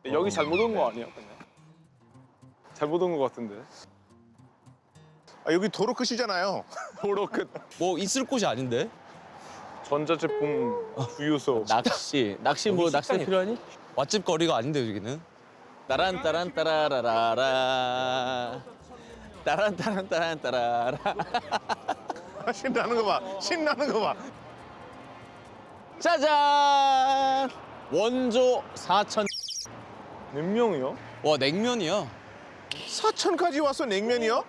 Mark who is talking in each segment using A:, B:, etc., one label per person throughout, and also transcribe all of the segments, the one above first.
A: 여기 잘못 온 거 아니야? 그냥? 잘못 온 거 같은데.
B: 아, 여기 도로 끝이잖아요.
A: 도로 끝.
C: 뭐 있을 곳이 아닌데?
A: 전자제품 주유소.
D: 낚시 뭐 낚시 필요하니?
C: 맛집 거리가 아닌데 여기는?
D: 따란 따란 따라라라라. 따란 따란 따란 따라라.
B: 신나는 거 봐. 신나는 거 봐.
D: 짜잔! 원조 4천.
A: 몇 명이요?
C: 와 냉면이야.
B: 사천까지 와서 냉면이요?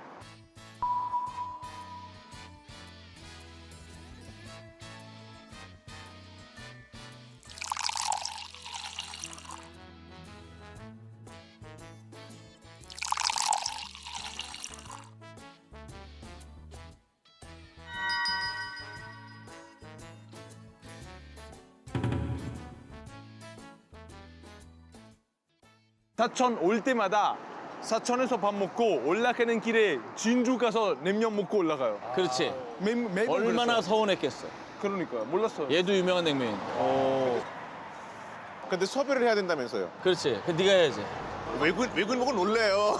A: 사천 올 때마다 사천에서 밥 먹고 올라가는 길에 진주 가서 냉면 먹고 올라가요.
D: 그렇지.
A: 매번
D: 얼마나
A: 그랬어요.
D: 서운했겠어.
A: 그러니까요. 몰랐어요.
D: 얘도 유명한 냉면인데.
B: 근데 섭외를 해야 된다면서요.
D: 그렇지. 그 네가 해야지.
B: 외국인 보고 놀래요.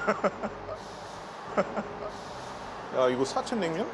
B: 야, 이거 사천 냉면?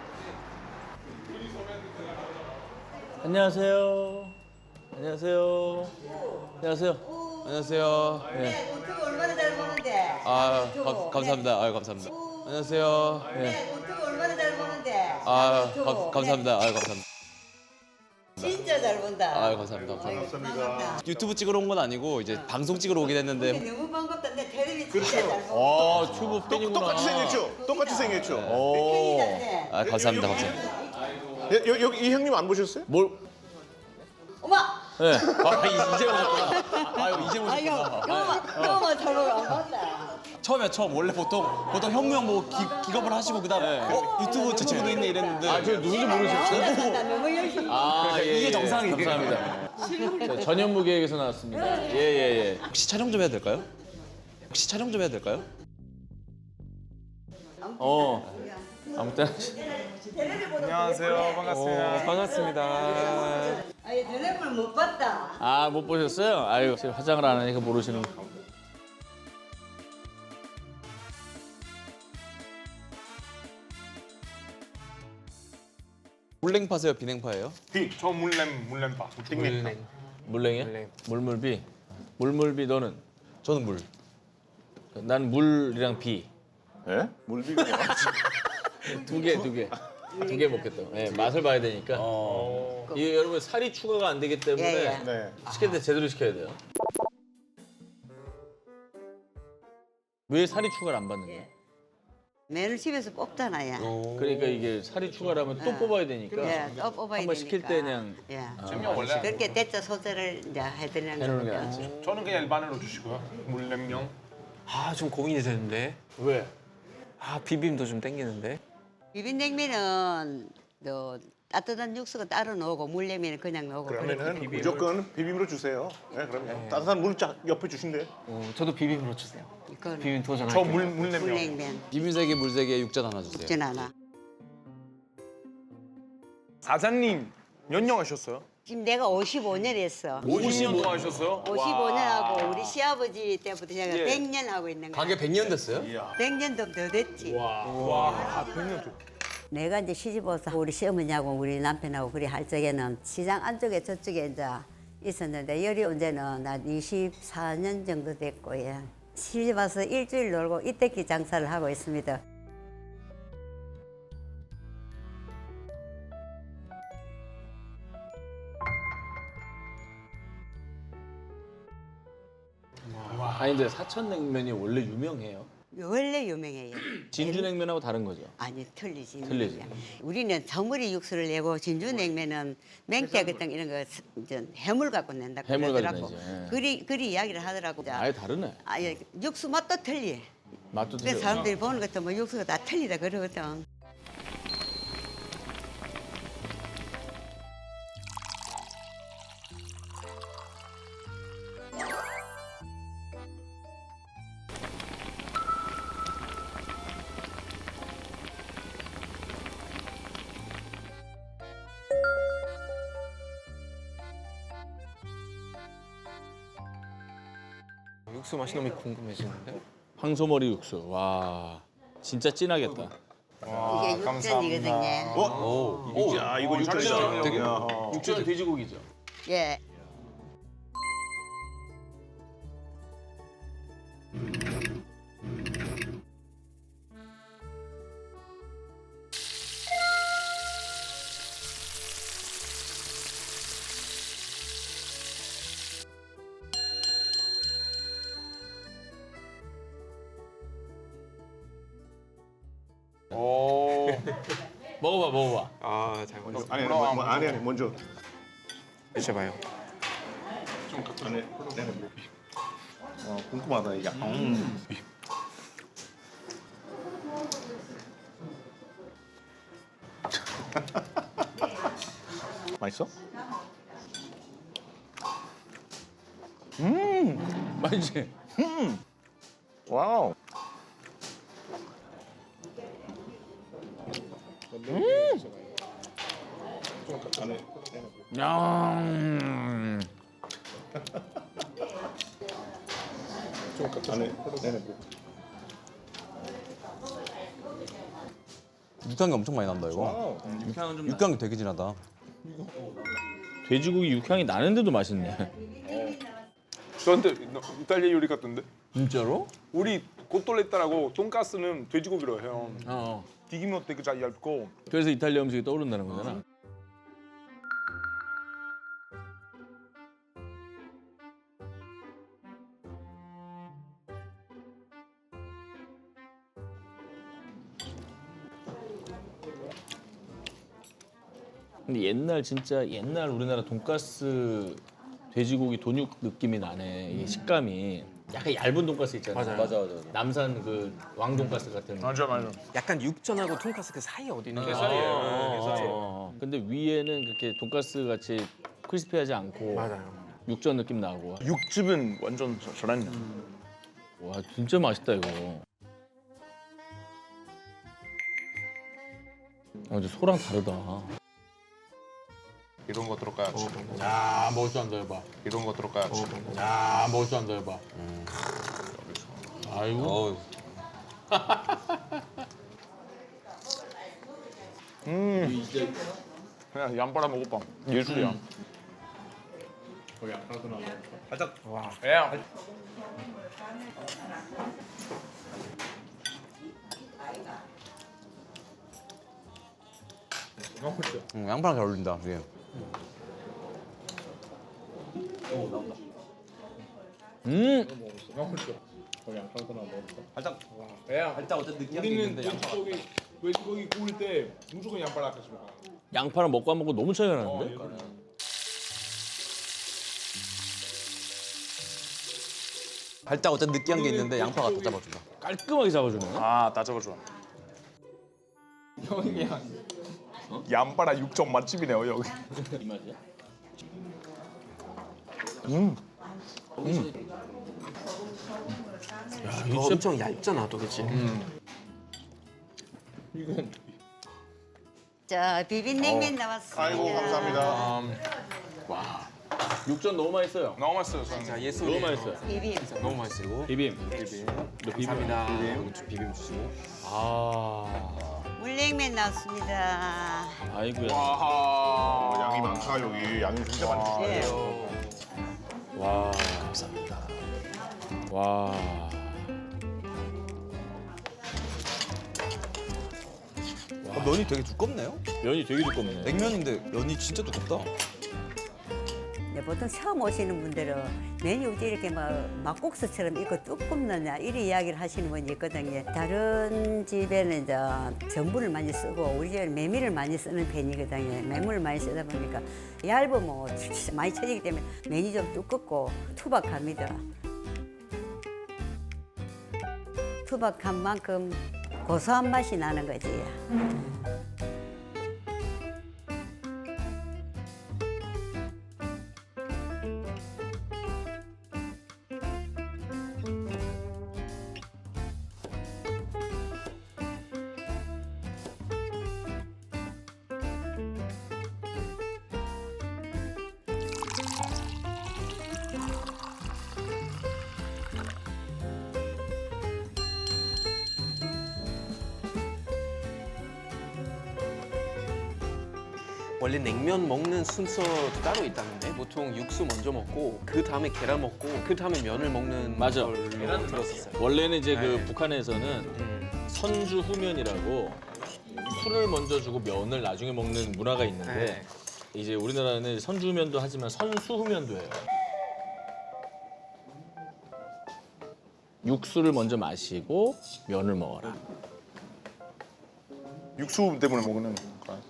D: 안녕하세요. 안녕하세요. 안녕하세요.
C: 안녕하세요.
D: 네.
E: 유튜브 얼마나 잘 보는데.
C: 아
E: 유튜브.
C: 감사합니다. 아유 감사합니다. 안녕하세요.
E: 네, 유튜브 얼마나 잘 보는데.
C: 아
E: 유튜브.
C: 감사합니다. 아유 감사합니다.
E: 네, 진짜 잘 본다.
C: 아유 감사합니다. 감사합니다.
E: 반갑다.
C: 유튜브 찍으러 온 건 아니고 이제 방송 찍으러 오긴 했는데
E: 너무 반갑다. 내 텔레비 진짜 잘 본다.
D: 아, 튜브 팬이구나.
B: 똑같이 생겼죠? 똑같이 생겼죠?
D: 오.
E: 팬이다.
C: 아 감사합니다. 감사합니다.
B: 여기 이 형님 안 보셨어요?
D: 뭘?
E: 어머.
D: 네. 아, 이제 오셨구나.
C: 아유 이제
E: 아이고,
C: 오셨구나.
E: 너무 잘 보고 안 봤다.
C: 처음에 처음 원래 보통 현무 형 보고 기겁을 하시고 그다음에 유튜브 저 친구도 있네 이랬는데
D: 아, 저 누군지 모르셨어요?
E: 나 너무 열심히.
D: 아, 예,
C: 이게
D: 예.
C: 정상이에요.
D: 감사합니다. 저 전현무 기획에서 나왔습니다. 예, 예, 예.
C: 혹시 촬영 좀 해도 될까요? 혹시 촬영 좀 해도 될까요?
D: 아무튼
A: 안녕하세요. 반갑습니다.
D: 반갑습니다.
E: 아니, 텔레비를 못 봤다.
D: 아, 못 보셨어요? 아유, 지금 화장을 안 하니까 모르시는 거.
C: 물냉파세요, 비냉파예요?
A: 저 물렘밥. 띵냉.
D: 물냉이야? 물물비. 물물비 너는?
C: 저는 물.
D: 난 물이랑 비.
B: 예? 물비가 뭐야?
D: 두 개. 두 개 먹겠다. 네, 맛을 봐야 되니까. 이게 여러분 살이 추가가 안 되기 때문에
E: 예, 예.
B: 네.
D: 시킬 때 제대로 시켜야 돼요. 왜 살이 추가를 안 받는 거야?
E: 매를 집에서 뽑잖아요.
D: 그러니까 이게 살이 추가라면 또 뽑아야 되니까
E: 예, 또 뽑아야
D: 한번
E: 되니까.
D: 시킬 때 그냥
E: 예.
A: 원래
E: 그렇게 대짜 소재를 이제 해드리는
D: 해놓는 게
E: 거죠.
D: 낫지.
A: 저는 그냥 일반으로 주시고요. 물냉면.
F: 아, 좀 고민이 되는데.
D: 왜?
F: 아, 비빔도 좀 땡기는데.
E: 비빔냉면은 또 따뜻한 육수가 따로 넣고 물냉면은 그냥 넣고
B: 그러면은 무조건 비빔으로 주세요. 네, 그럼요. 따뜻한 물 쫙 옆에 주신대요.
F: 저도 비빔으로 주세요.
E: 이건
F: 비빔 도전할게요.
A: 저 물냉면.
E: 물냉면
C: 비빔 3개, 물 3개, 육전 하나 주세요.
E: 전 하나.
A: 사장님 몇 년 하셨어요?
E: 지금 내가 55년 했어.
A: 50년 동안 하셨어요?
E: 55년 하고 우리 시아버지 때부터 제가
A: 예.
E: 100년 하고 있는 거야.
C: 가게 100년 됐어요?
E: 100년도 더 됐지.
A: 와, 100년 동
E: 내가 이제 시집 와서 우리 시어머니하고 우리 남편하고 그리 할 적에는 시장 안쪽에 저쪽에 이제 있었는데 열이 언제는 난 24년 정도 됐고 예. 시집 와서 일주일 놀고 이때끼 장사를 하고 있습니다.
D: 아니 근데 사천냉면이 원래 유명해요.
E: 원래 유명해요.
D: 진주냉면하고 다른 거죠.
E: 아니 틀리지.
D: 틀리지.
E: 우리는 저물이 육수를 내고 진주냉면은 맹태 같은 이런 거 이제 해물 갖고 낸다고
D: 해물 가지고
E: 그러더라고.
D: 내지, 예.
E: 그리 이야기를 하더라고.
D: 아예 다르네.
E: 아예 육수 맛도 틀려.
D: 맛도
E: 그래서
D: 틀려.
E: 사람들이 보는 것도 뭐 육수가 다 틀리다 그러거든.
F: 육수 맛이 너무 궁금해지는데?
D: 황소머리 육수. 와, 진짜 진하겠다.
E: 이게 육전이거든요.
B: 야, 이거 육전이다.
D: 육전은 돼지고기죠.
E: 예.
D: 먹어봐, 먹어봐.
F: 아, 잘 먹었습니다.
B: 아니, 먼저.
F: 드셔봐요.
B: 안에, 궁금하다, 이게. 맛있어?
D: 맛있지?
B: 와우.
D: 야.
C: 육향이 엄청 많이 난다 이거.
D: 육향은 좀
C: 육향이 되게 진하다.
D: 돼지고기 육향이 나는데도 맛있네.
A: 저한테 이탈리아 요리 같던데?
D: 진짜로?
A: 우리 코톨레타라고 돈가스는 돼지고기로 해요.
D: 어.
A: 튀김도 되게 잘 얇고.
D: 그래서 이탈리아 음식이 떠오른다는 거잖아. 근데 옛날 진짜 옛날 우리나라 돈가스 돼지고기 돈육 느낌이 나네. 이 식감이 약간 얇은 돈가스 있잖아.
F: 맞아요.
C: 맞아.
D: 남산 그 왕돈가스 같은.
A: 맞아.
F: 약간 육전하고 통가스 그 사이에 어디 있는
D: 그 사이에요. 근데 위에는 그렇게 돈가스 같이 크리스피하지 않고
F: 맞아요.
D: 육전 느낌 나고.
A: 육즙은 완전 잘했네.
D: 와 진짜 맛있다 이거. 근데 소랑 다르다.
G: 이런 거 들어가야지.
D: 야 먹을 줄 안다 해봐.
G: 이런 거 들어가야지.
D: 야 먹을 줄 안다 해봐. 아이고.
A: 그냥 양파랑 먹어봐. 예술이야.
C: 양파랑 잘 어울린다 이게. 살짝 어떤 느끼한 게 있는데 양파.
A: 돼지고기 구울 때 무조건 양파랑 같이 먹어.
D: 양파랑 먹고 안 먹고 너무 차이가 나는데?
C: 살짝 어떤 느끼한 게 있는데 양파가 다 잡아준다.
D: 깔끔하게 잡아주네.
A: 아, 다 잡아줘. 형이야. 양파랑 육전 맛집이네요 여기.
D: 이 맛이야?
F: 엄청 얇잖아, 또 그치?
E: 자, 비빔냉면 나왔습니다.
B: 아이고, 감사합니다.
D: 육전 너무 맛있어요.
A: 너무 맛있어요. 저는.
F: 자, 예술이에요.
D: 너무 맛있어요.
E: 비빔.
F: 너무 맛있고.
D: 비빔. 너 비빔.
F: 감사합니다. 비빔 주시고.
D: 아.
E: 물냉면 나왔습니다.
D: 아이고야.
B: 양이 많다, 여기. 양이 진짜 많이 주시네요.
D: 와. 감사합니다. 와.
C: 면이 되게 두껍네요.
D: 면이 되게 두껍네.
C: 냉면인데 면이 진짜 두껍다.
E: 네, 보통 처음 오시는 분들은 메뉴 어디 이렇게 막국수처럼 이거 뚜껑 넣냐 이런 이야기를 하시는 분이 있거든요. 다른 집에는 이제 전분을 많이 쓰고 우리 집에는 메밀을 많이 쓰는 편이거든요. 메밀을 많이 쓰다 보니까 얇으면 많이 쳐지기 때문에 면이 좀 두껍고 투박합니다. 투박한 만큼 고소한 맛이 나는 거지.
F: 원래 냉면 먹는 순서도 따로 있다는데 보통 육수 먼저 먹고 그 다음에 계란 먹고 그 다음에 면을 먹는
D: 맞아.
F: 걸로 들었었어요.
D: 원래는 이제 그
F: 네.
D: 북한에서는 선주 후면이라고 술을 먼저 주고 면을 나중에 먹는 문화가 있는데
F: 네.
D: 이제 우리나라는 선주 후면도 하지만 선수 후면도 해요. 육수를 먼저 마시고 면을 먹어라.
B: 육수 때문에 먹는 거야.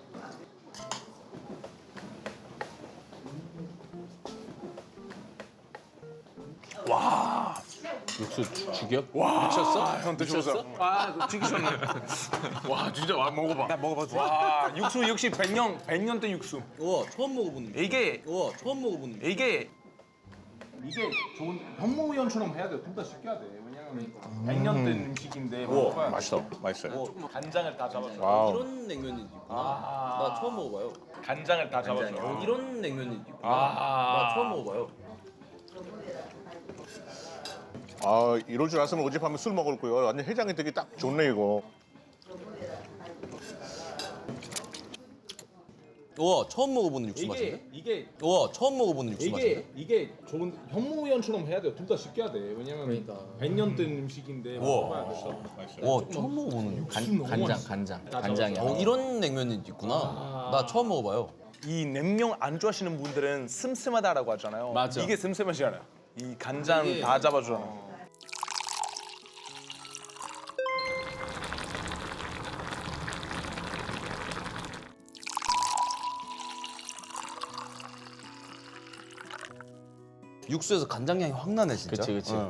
D: 육수 죽여?
B: 와,
D: 미쳤어?
B: 형 드셔보세요.
D: 미쳤어?
A: 아, 그거 지기셨네. 와, 진짜 와 먹어봐.
F: 나 먹어봐도 돼?
A: 와, 육수 역시 100년 된 육수.
C: 우와 처음 먹어보는 거.
A: 이게
C: 우와 처음 먹어보는 거.
A: 이게 좋은 현무연처럼 해야 돼. 둘 다 시켜야 돼. 왜냐면 100년 된 음식인데 먹어봐야
B: 맛있어, 맛있어요.
A: 간장을 다 잡아서.
B: 와우.
C: 이런 냉면이 있구나. 나 처음 먹어봐요.
A: 간장을 다 잡아서.
C: 이런 냉면이 있구나.
A: 아.
C: 나 처음 먹어봐요.
B: 아, 이럴 줄 알았으면 어젯밤에 술 먹을 거예요. 완전 해장이 되게 딱 좋네 이거.
C: 우와 처음 먹어보는 육수 맛인데?
A: 이게
C: 우와 처음 먹어보는 육수 맛인데?
A: 이게 좋은 현무연처럼 해야 돼. 둘 다 시켜야 돼. 왜냐면 100년 된 음식인데 먹어봐야 돼.
C: 우와 처음 먹어보는 육수.
D: 간장이야.
C: 이런 냉면이 있구나. 나 처음 먹어봐요.
A: 이 냉면 안 좋아하시는 분들은 슴슴하다라고 하잖아요.
D: 맞아.
A: 이게 슴슴하지 않아요. 이 간장 다 잡아주잖아요.
C: 육수에서 간장 향이 확 나네 진짜.
D: 그치, 그치.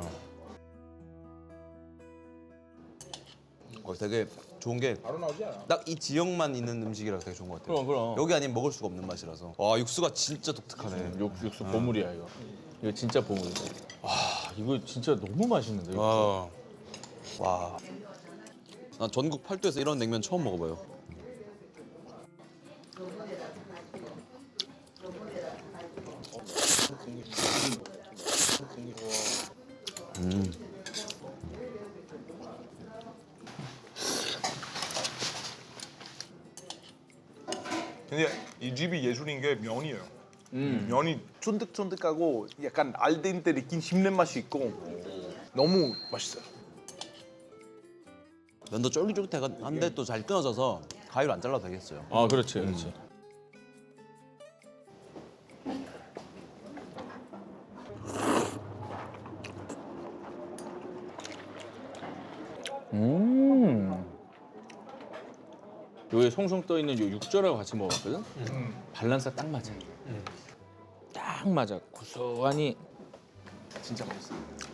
C: 되게 좋은 게
A: 바로 나오지 않아.
C: 딱 이 지역만 있는 음식이라 되게 좋은 것 같아요.
D: 그럼.
C: 여기 아니면 먹을 수가 없는 맛이라서. 와 육수가 진짜 독특하네.
D: 육수 보물이야 이거. 이거 진짜 보물이다. 와 이거 진짜 너무 맛있는데. 이거.
C: 와. 와. 나 전국 팔도에서 이런 냉면 처음 먹어봐요.
A: 근데 이 집이 예술인 게 면이에요. 면이 쫀득쫀득하고 약간 알덴테 익힌 씹는 맛이 있고 너무 맛있어요.
C: 면도 쫄깃쫄깃한데 또 잘 끊어져서 가위로 안 잘라도 되겠어요.
D: 아 그렇지, 그렇지. 여기 송송 떠 있는 요 육절하고 같이 먹었거든. 밸런스가 딱 맞아. 딱 맞아. 고소하니
A: 진짜 맛있어요.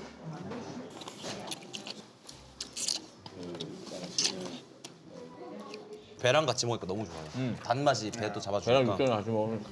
C: 배랑 같이 먹으니까 너무 좋아요. 단맛이 배 또
D: 계란
C: 잡아주니까.
D: 육절을 같이 먹으니까.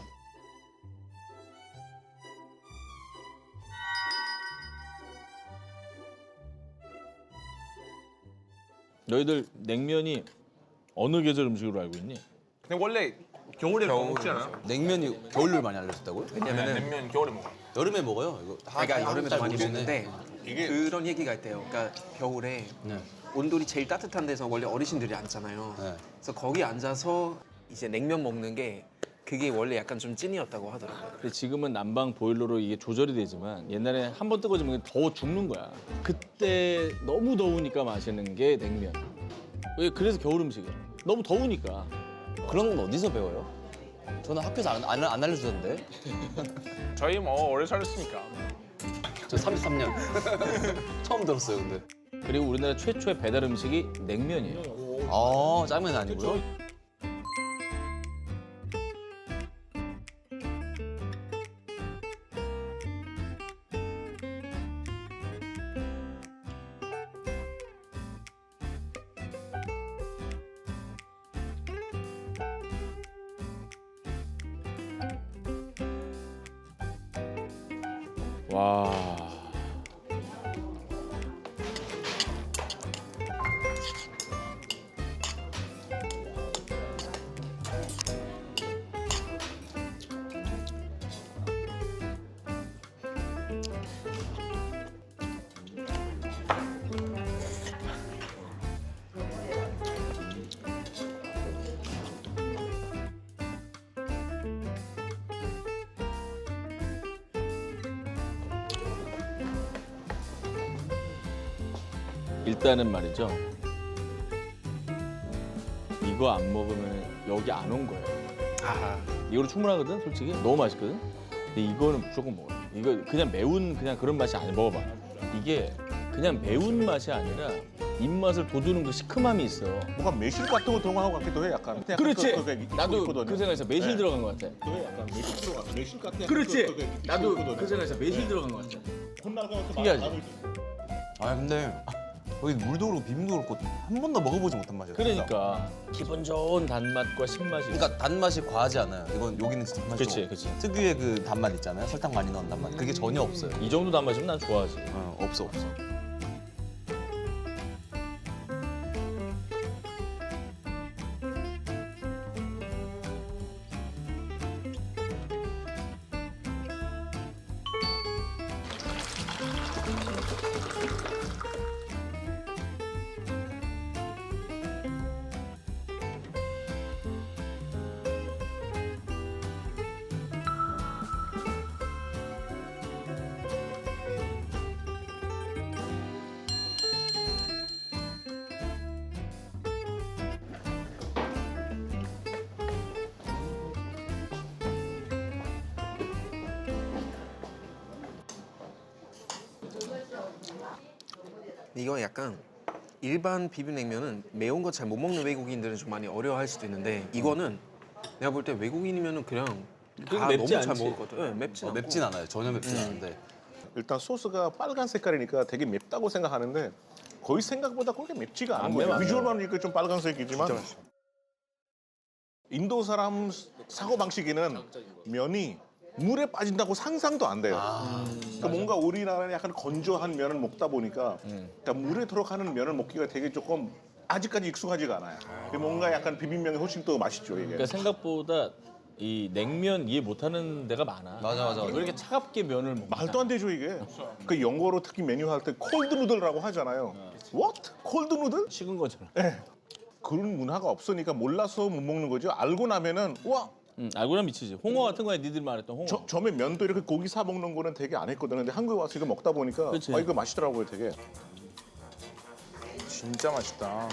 D: 너희들 냉면이 어느 계절 음식으로 알고 있니?
A: 근데 원래 겨울에 먹지 않아요?
C: 냉면이 겨울을 많이 알려졌다고요?
F: 왜냐면은
A: 냉면 겨울에 먹어요.
C: 여름에 먹어요. 이거 다
F: 그러니까 여름에도
C: 잘
F: 많이
C: 모르시네.
F: 먹는데 그런 얘기가 있대요. 그러니까 겨울에
C: 네.
F: 온돌이 제일 따뜻한 데서 원래 어르신들이 앉잖아요.
C: 네.
F: 그래서 거기 앉아서 이제 냉면 먹는 게 그게 원래 약간 좀 찐이었다고 하더라고요.
D: 근데 지금은 난방 보일러로 이게 조절이 되지만 옛날에 한 번 뜨거워지면 더 죽는 거야. 그때 너무 더우니까 마시는 게 냉면. 왜 그래서 겨울 음식이야. 너무 더우니까.
C: 그런 건 어디서 배워요? 저는 학교에서 안 알려주던데.
A: 저희 뭐 오래 살았으니까.
C: 저 33년. 처음 들었어요, 근데.
D: 그리고 우리나라 최초의 배달 음식이 냉면이에요.
C: 아, 짜면 아니고요?
D: 와. 일단은 말이죠. 이거 안 먹으면 여기 안 온 거예요. 이거로 충분하거든, 솔직히. 너무 맛있거든. 근데 이거는 무조건 먹어요. 이거 그냥 매운 그냥 그런 맛이 아니야. 먹어봐. 이게 그냥 매운 맛이 아니라 입맛을 돋우는 그 시큼함이 있어.
B: 뭔가 매실 같은 거 들어간 것 같기도 해 약간.
D: 그렇지.
B: 있거든요.
D: 나도 그 생각에서 매실
B: 네.
D: 들어간 것 같아.
B: 약간 매실 들어가. 매실 같은.
D: 그렇지. 나도 그 생각에서 매실 들어간 것 같아.
B: 혼날 것 같아.
D: 특이하지?
H: 아 근데 여기 물도 그렇고 비빔도 그렇고 한 번도 먹어보지 못한 맛이야.
D: 그러니까 기분 좋은 단맛과 신맛이.
H: 그러니까 단맛이 과하지 않아요. 이건 여기는 진짜 단맛이
D: 그치,
H: 좀
D: 그치.
H: 특유의 그 단맛 있잖아요. 설탕 많이 넣은 단맛. 그게 전혀 없어요.
D: 이 정도 단맛이면 난 좋아하지.
H: 없어.
F: 이거 약간 일반 비빔냉면은 매운 거 잘 못 먹는 외국인들은 좀 많이 어려워할 수도 있는데 이거는 내가 볼 때 외국인이면은 그냥 다
D: 맵지
F: 너무 잘
D: 않지.
F: 먹을 것 같아. 네, 맵지 않고.
H: 맵진 않아요. 전혀 맵진 않은데.
B: 일단 소스가 빨간 색깔이니까 되게 맵다고 생각하는데 거의 생각보다 그렇게 맵지가 않은
D: 안
B: 거예요.
D: 매워, 안
B: 비주얼만 보니까 좀 빨간색이지만 인도 사람 사고 방식에는 면이 물에 빠진다고 상상도 안 돼요. 그러니까 뭔가 우리나라는 약간 건조한 면을 먹다 보니까 그러니까 물에 들어가는 면을 먹기가 되게 조금 아직까지 익숙하지가 않아요. 뭔가 약간 비빔면이 훨씬 더 맛있죠 이게.
D: 그러니까 생각보다 이 냉면 이해 못하는 데가 많아.
H: 맞아.
D: 왜 이렇게 차갑게 면을 먹나?
B: 말도 안 되죠 이게. 그 영어로 특히 메뉴 할 때 콜드 누들이라고 하잖아요. What? 콜드 누들?
D: 식은 거잖아.
B: 그런 문화가 없으니까 몰라서 못 먹는 거죠. 알고 나면은 와
D: 알고 나면 미치지. 홍어 같은 거에 니들 말했던 홍어.
B: 처음에 면도 이렇게 고기 사 먹는 거는 되게 안 했거든요. 근데 한국에 와서 이거 먹다 보니까
D: 그치.
B: 이거 맛있더라고요 되게.
A: 진짜 맛있다.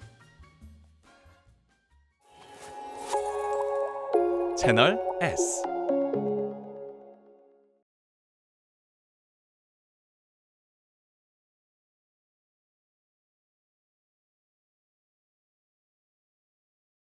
I: 채널 S